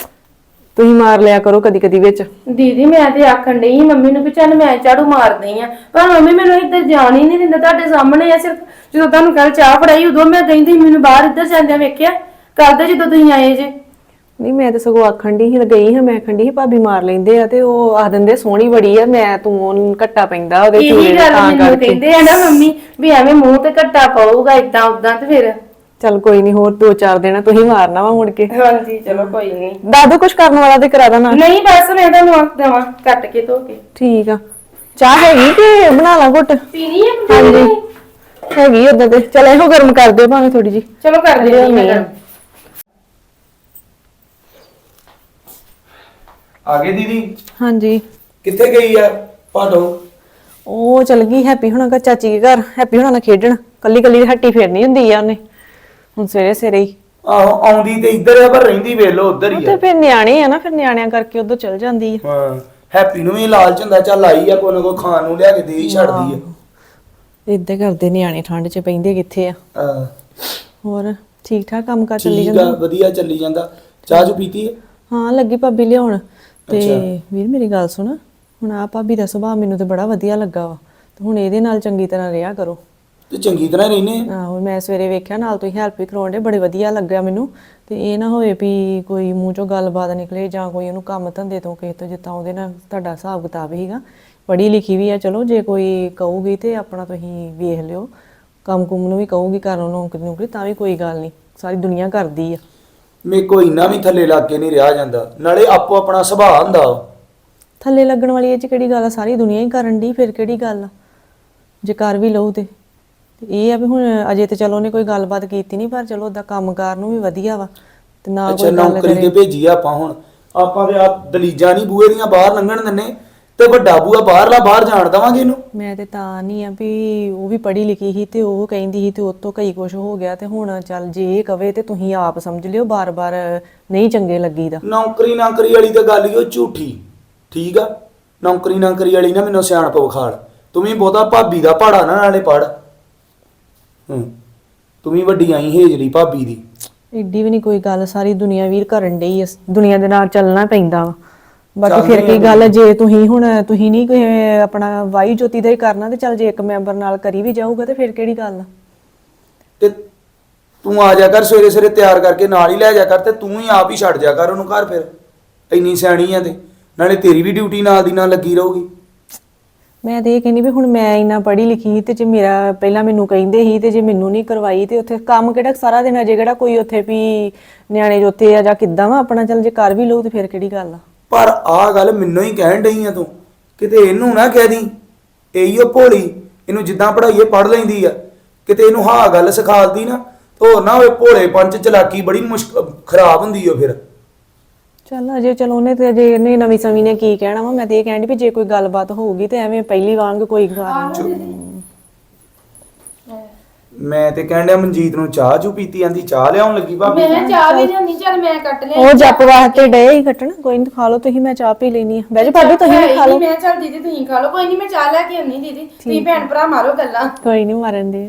C: ਤੁਸੀਂ ਮਾਰ ਲਿਆ ਕਰੋ ਕਦੀ ਕਦੀ ਵਿੱਚ।
A: ਦੀਦੀ ਮੈਂ ਤੇ ਆਖਣ ਡਈ ਮੰਮੀ ਨੂੰ ਵੀ ਚੱਲ ਮੈਂ ਝਾੜੂ ਮਾਰਦੀ ਆ, ਪਰ ਮੰਮੀ ਮੈਨੂੰ ਇੱਧਰ ਜਾਣ ਹੀ ਨਹੀਂ ਦਿੰਦਾ। ਤੁਹਾਡੇ ਸਾਹਮਣੇ ਆ, ਸਿਰਫ ਜਦੋਂ ਤੁਹਾਨੂੰ ਕੱਲ ਚਾਹ ਫੜਾਈ ਉਦੋਂ ਮੈਂ ਕਹਿੰਦੀ ਮੈਨੂੰ ਬਾਹਰ ਇੱਧਰ ਜਾਂਦਿਆਂ ਵੇਖਿਆ, ਕਰਦੇ ਜਦੋਂ ਤੁਸੀਂ ਆਏ ਜੇ।
C: ਨਹੀਂ ਮੈਂ ਤਾਂ ਸਗੋਂ ਆਖਣ ਦੀ ਹੀ ਗਈ ਹਾਂ, ਮੈਂ ਆਖਣ ਦੀ ਸੀ ਭਾਬੀ ਮਾਰ ਲੈਂਦੇ ਆ, ਤੇ ਉਹ ਆਖ ਦਿੰਦੇ ਸੋਹਣੀ ਬੜੀ ਆ, ਮੈਂ ਤੂੰ ਉਹਨੂੰ ਘੱਟਾ ਪੈਂਦਾ ਉਹਦੇ ਚੂੜੇ
A: ਇਹੀ
C: ਦਾ
A: ਗੱਲ
C: ਤਾਂ
A: ਮੈਨੂੰ
C: ਕਰਕੇ।
A: ਕਹਿੰਦੇ ਆ ਨਾ ਮੰਮੀ ਵੀ ਐਵੇਂ ਮੂੰਹ ਤੇ ਘੱਟਾ ਪਾਊਗਾ ਇਦਾਂ ਉਦਾਂ, ਤੇ ਫਿਰ
C: ਚੱਲ ਕੋਈ ਨਹੀਂ, ਹੋਰ 2-4 ਦਿਨ ਤੁਸੀਂ ਮਾਰਨਾ ਵਾ ਮੁੜ ਕੇ।
A: ਹਾਂਜੀ ਚਲੋ ਕੋਈ ਨਹੀਂ।
C: ਦਾਦੂ ਕੁਛ ਕਰਨ ਵਾਲਾ ਤੇ ਕਰਾ ਦੇਣਾ।
A: ਨਹੀਂ ਬਸ ਮੈਂ ਤੁਹਾਨੂੰ ਆਖ ਦੇਵਾਂ ਕੱਟ ਕੇ ਧੋ ਕੇ।
C: ਠੀਕ ਆ, ਚਾਹ ਹੈਗੀ ਕਿ ਬਣਾ ਲਾ ਘੁੱਟ?
A: ਪੀਣੀ ਹੈ?
C: ਹਾਂਜੀ ਹੈਗੀ ਉਦਾਂ ਤੇ। ਚਲ ਇਹੋ ਗਰਮ ਕਰ ਦਿਓ ਭਾਵੇਂ ਥੋੜੀ ਜੀ।
A: ਚਲੋ ਕਰ ਦਿੰਦੀ ਮੈਂ ਗਰਮ।
D: ਆ ਗਏ ਦੀਦੀ?
C: ਹਾਂਜੀ
D: ਕਿੱਥੇ ਗਈ ਆ ਭਾਟੋ?
C: ਉਹ ਚਲ ਗਈ ਹੈਪੀ ਹੁਣਾਂ ਘਰ, ਚਾਚੀ ਦੇ ਘਰ ਹੈਪੀ ਹੁਣਾਂ ਨਾਲ ਖੇਡਣ। ਕੱਲੀ ਕੱਲੀ ਹੱਟੀ ਫੇਰਨੀ ਹੁੰਦੀ ਆ ਉਹਨੇ, ਹੁਣ ਸਵੇਰੇ ਸਵੇਰੇ ਹੀ।
D: ਆਹੋ ਆਉਂਦੀ ਤੇ ਇੱਧਰ ਆ ਪਰ ਰਹਿੰਦੀ ਵੇਖ ਲੋ ਉੱਧਰ ਹੀ
C: ਤੇ
D: ਆ।
C: ਫਿਰ ਨਿਆਣੇ ਆ ਨਾ, ਫਿਰ ਨਿਆਣਿਆਂ ਕਰਕੇ ਉਧਰ ਚਲ ਜਾਂਦੀ ਆ।
D: ਹਾਂ ਹੈਪੀ ਨੂੰ ਵੀ ਲਾਲਚ ਹੁੰਦਾ, ਚੱਲ ਆਈ ਆ ਕੋਈ ਨਾ ਕੋਈ ਖਾਣ ਨੂੰ ਲਿਆ ਕੇ ਦੇ ਹੀ ਛੱਡਦੀ ਆ।
C: ਏਦਾਂ ਕਰਦੇ ਨਿਆਣੇ, ਠੰਡ 'ਚ ਪੈਂਦੇ ਕਿੱਥੇ ਆ।
D: ਹਾਂ
C: ਹੋਰ ਠੀਕ ਠਾਕ ਕੰਮ ਕਾਰ ਚੱਲੀ
D: ਠੀਕ
C: ਜਾਂਦਾ?
D: ਆ, ਵਧੀਆ ਚੱਲੀ ਜਾਂਦਾ। ਚਾਹ ਚੂ ਪੀਤੀ ਹੈ?
C: ਹਾਂ ਲੱਗੀ ਭਾਬੀ ਲਿਆਉਣ। ਤੇ
D: ਅੱਛਾ।
C: ਵੀਰ ਮੇਰੀ ਗੱਲ ਸੁਣ, ਹੁਣ ਆ ਭਾਬੀ ਦਾ ਸੁਭਾਅ ਮੈਨੂੰ ਤੇ ਬੜਾ ਵਧੀਆ ਲੱਗਾ ਵਾ, ਤੇ ਹੁਣ ਇਹਦੇ ਨਾਲ ਚੰਗੀ ਤਰ੍ਹਾਂ ਰਿਹਾ ਕਰੋ।
D: ਤੇ ਚੰਗੀ ਤਰ੍ਹਾਂ ਹੀ ਰਹਿੰਦੇ ਆ।
C: ਆਹੋ ਮੈਂ ਸਵੇਰੇ ਵੇਖਿਆ ਨਾਲ ਤੁਸੀਂ ਹੈਲਪ ਵੀ ਕਰਾਉਂਦੇ, ਬੜੇ ਵਧੀਆ ਲੱਗਿਆ ਮੈਨੂੰ। ਤੇ ਇਹ ਨਾ ਹੋਵੇ ਵੀ ਕੋਈ ਮੂੰਹ ਚੋਂ ਗੱਲਬਾਤ ਨਿਕਲੇ ਜਾਂ ਕੋਈ ਉਹਨੂੰ ਕੰਮ ਧੰਦੇ ਤੋਂ ਕਿਸੇ ਤੋਂ, ਜਿੱਦਾਂ ਉਹਦੇ ਨਾਲ ਤੁਹਾਡਾ ਹਿਸਾਬ ਕਿਤਾਬ ਹੀਗਾ। ਪੜ੍ਹੀ ਲਿਖੀ ਵੀ ਆ, ਚਲੋ ਜੇ ਕੋਈ ਕਹੂਗੀ ਤੇ ਆਪਣਾ ਤੁਸੀਂ ਵੇਖ ਲਿਓ। ਕੰਮ ਕੁੰਮ ਨੂੰ ਵੀ ਕਹੂਗੀ ਕਰਨ ਨੌਕਰੀ ਨੌਕਰੀ ਤਾਂ ਵੀ ਕੋਈ ਗੱਲ ਨਹੀਂ, ਸਾਰੀ ਦੁਨੀਆ ਕਰਦੀ ਆ।
D: ਮੇਰੇ ਕੋਈ ਇੰਨਾ ਵੀ ਥੱਲੇ ਲੱਗ ਕੇ ਨਹੀਂ ਰਿਹਾ ਜਾਂਦਾ, ਨਾਲੇ ਆਪੋ ਆਪਣਾ ਸੁਭਾਅ ਹੁੰਦਾ ਵਾ।
C: ਥੱਲੇ ਲੱਗਣ ਵਾਲੀ ਇਹ 'ਚ ਕਿਹੜੀ ਗੱਲ ਆ, ਸਾਰੀ ਦੁਨੀਆ ਹੀ ਕਰਨ ਦੀ, ਫਿਰ ਕਿਹੜੀ ਗੱਲ ਆ ਜੇ ਕਰ ਵੀ ਲਊ ਤੇ। ਇਹ ਆ ਵੀ ਹੁਣ ਅਜੇ ਤੇ ਚਲੋ ਉਹਨੇ ਕੋਈ ਗੱਲਬਾਤ ਕੀਤੀ ਨਹੀਂ, ਪਰ ਚਲੋ ਉਹਦਾ ਕੰਮਕਾਰ ਨੂੰ ਵੀ ਵਧੀਆ ਵਾ ਤੇ ਨਾ
D: ਅੱਛਾ
C: ਕੋਈ ਗੱਲ
D: ਨੌਕਰੀ ਤੇ
C: ਕਰੇ।
D: ਭੇਜੀ ਆ ਆਪਾਂ, ਹੁਣ ਆਪਾਂ ਤੇ ਆ ਦਲੀਜਾਂ ਨਹੀਂ ਬੂਹੇ ਦੀਆਂ ਬਾਹਰ ਲੰਘਣ ਦਿੰਨੇ, ਤੇ ਵੱਡਾ ਬੂਹਾ ਬਾਹਰਲਾ ਬਾਹਰ ਜਾਣ ਦੇਵਾਂਗੇ ਇਹਨੂੰ।
C: ਮੈਂ ਤੇ ਤਾਂ ਨਹੀਂ ਆ ਵੀ ਉਹ ਵੀ ਪੜ੍ਹੀ ਲਿਖੀ ਸੀ ਤੇ ਉਹ ਕਹਿੰਦੀ ਸੀ ਤੇ ਉਹ ਤੋਂ ਕਈ ਕੁਝ ਹੋ ਗਿਆ, ਤੇ ਹੁਣ ਚੱਲ ਜੇ ਇਹ ਕਵੇ ਤੇ ਤੁਸੀਂ ਆਪ ਸਮਝ ਲਿਓ, ਬਾਰ-ਬਾਰ ਨਹੀਂ ਚੰਗੇ ਲੱਗੀਦਾ।
D: ਨੌਕਰੀ ਵਾਲੀ ਤਾਂ ਗੱਲ ਹੀ ਉਹ ਝੂਠੀ, ਠੀਕ ਆ। ਨੌਕਰੀ ਵਾਲੀ ਨਾ ਮੈਨੂੰ ਸਿਆਣਪ ਵਿਖਾੜ, ਤੂੰ ਵੀ ਬਹੁਤਾ ਭਾਬੀ ਦਾ ਪਹਾੜਾ ਨਾ ਨਾਲੇ ਪੜ। ਤੂੰ ਵੀ ਵੱਡੀ ਆਈ ਹੇਜਲੀ ਭਾਬੀ ਦੀ।
C: ਏਡੀ ਵੀ ਨਹੀਂ ਕੋਈ ਗੱਲ, ਸਾਰੀ ਦੁਨੀਆ ਵੀਰ ਕਰਨ ਡਈ ਆ, ਦੁਨੀਆ ਦੇ ਨਾਲ ਚੱਲਣਾ ਪੈਂਦਾ ਵਾ। ਬਾਕੀ
D: ਚੱਲਦੇ
C: ਫਿਰ ਕੀ
D: ਆ
C: ਗੱਲ, ਜੇ ਤੁਸੀਂ ਨਹੀਂ ਕੋਈ ਆਪਣਾ ਵਾਈ ਜੋਤੀ ਦਾ ਹੀ ਕਰਨਾ, ਤੇ ਚੱਲ ਜੇ ਇੱਕ ਮੈਂਬਰ ਨਾਲ ਕਰੀ ਵੀ ਜਾਊਗਾ ਤੇ ਫਿਰ ਕਿਹੜੀ ਗੱਲ ਆ।
D: ਤੇ ਤੂੰ ਆ ਜਾ ਕਰ ਸਵੇਰੇ ਸਵੇਰੇ ਤਿਆਰ ਕਰਕੇ ਨਾਲ ਹੀ ਲੈ ਜਾ ਕਰ, ਤੇ ਤੂੰ ਹੀ ਆਪ ਹੀ ਛੱਡ ਜਾ ਕਰ ਉਹਨੂੰ ਘਰ। ਫਿਰ ਇੰਨੀ ਸਿਆਣੀ ਆ ਤੇ ਨਾਲੇ ਤੇਰੀ ਵੀ ਡਿਊਟੀ ਨਾਲ ਦੀ ਨਾਲ ਲੱਗੀ ਰਹੂਗੀ।
C: ਮੈਂ ਤੇ ਇਹ ਕਹਿੰਦੀ ਵੀ ਹੁਣ ਮੈਂ ਇੰਨਾ ਪੜ੍ਹੀ ਲਿਖੀ ਤੇ ਜੇ ਮੇਰਾ ਪਹਿਲਾਂ ਮੈਨੂੰ ਕਹਿੰਦੇ ਸੀ ਤੇ ਜੇ ਮੈਨੂੰ ਨਹੀਂ ਕਰਵਾਈ ਤੇ ਉੱਥੇ ਕੰਮ ਕਿਹੜਾ ਸਾਰਾ ਦਿਨ ਅਜੇ ਕਿਹੜਾ ਕੋਈ ਉੱਥੇ ਵੀ ਨਿਆਣੇ ਜੋਤੇ ਆ ਜਾਂ ਕਿੱਦਾਂ ਵਾ, ਆਪਣਾ ਚੱਲ ਜੇ ਕਰ ਵੀ ਲਊ ਤੇ ਫਿਰ ਕਿਹੜੀ ਗੱਲ ਆ।
D: ਪਰ ਆਹ ਗੱਲ ਮੈਨੂੰ ਹੀ ਕਹਿਣ ਡਈ ਆ ਤੂੰ, ਕਿਤੇ ਇਹਨੂੰ ਨਾ ਕਹਿ ਦੀ ਇਹੀ ਉਹ ਭੋਲੀ, ਇਹਨੂੰ ਜਿੱਦਾਂ ਪੜ੍ਹਾਈਏ ਪੜ੍ਹ ਲੈਂਦੀ ਆ, ਕਿਤੇ ਇਹਨੂੰ ਹਾਂ ਗੱਲ ਸਿਖਾਲਦੀ ਨਾ ਹੋਰ ਨਾ ਹੋਵੇ ਭੋਲੇ ਪੰਚ ਚਲਾਕੀ ਬੜੀ ਮੁਸ਼ਕਲ ਖਰਾਬ ਹੁੰਦੀ ਓ ਫਿਰ।
C: ਚੱਲ ਅਜੇ ਚਲੋ ਉਹਨੇ ਤੇ ਅਜੇ ਇਹਨੇ ਨਵੀਂ ਸਮੀ ਨੇ ਕੀ ਕਹਿਣਾ ਵਾ। ਮੈਂ ਤੇ ਇਹ ਕਹਿੰਦੀ ਵੀ ਜੇ ਕੋਈ ਗੱਲਬਾਤ ਹੋਊਗੀ ਤੇ ਐਵੇਂ ਪਹਿਲੀ ਵਾਂਗ ਕੋਈ ਗੱਲ ਨਹੀਂ।
D: ਮੈਂ ਤੇ ਕਹਿਣ ਡਿਆ ਮਨਜੀਤ ਨੂੰ ਚਾਹ ਚੂ ਪੀਤੀ ਆਂਦੀ, ਚਾਹ ਲਿਆਉਣ ਲੱਗੀ ਭਾਬੀ।
A: ਮੈਂ ਚਾਹ ਵੀ ਲਿਆਉਣੀ, ਚੱਲ ਮੈਂ ਕੱਟ ਲਿਆ।
C: ਉਹ ਜੱਪ ਵਾਸਤੇ ਡੇ ਹੀ ਕੱਟਣ, ਕੋਈ ਨਹੀਂ ਖਾ ਲਓ ਤੁਸੀਂ, ਮੈਂ ਚਾਹ ਪੀ ਲੈਣੀ ਆ। ਬਹਿ ਜਾ ਭਾਬੀ ਤੁਸੀਂ ਵੀ ਖਾ ਲਓ।
A: ਮੈਂ ਚੱਲ ਦੀਦੀ ਤੁਸੀਂ ਖਾ ਲਓ, ਕੋਈ ਨਹੀਂ ਮੈਂ ਚਾਹ ਲੈ ਕੇ ਆਉਣੀ। ਦੀਦੀ ਤੁਸੀਂ ਭੈਣ ਭਰਾ ਮਾਰੋ ਗੱਲਾਂ।
C: ਕੋਈ ਨਹੀਂ ਮਾਰਨ ਦੇ,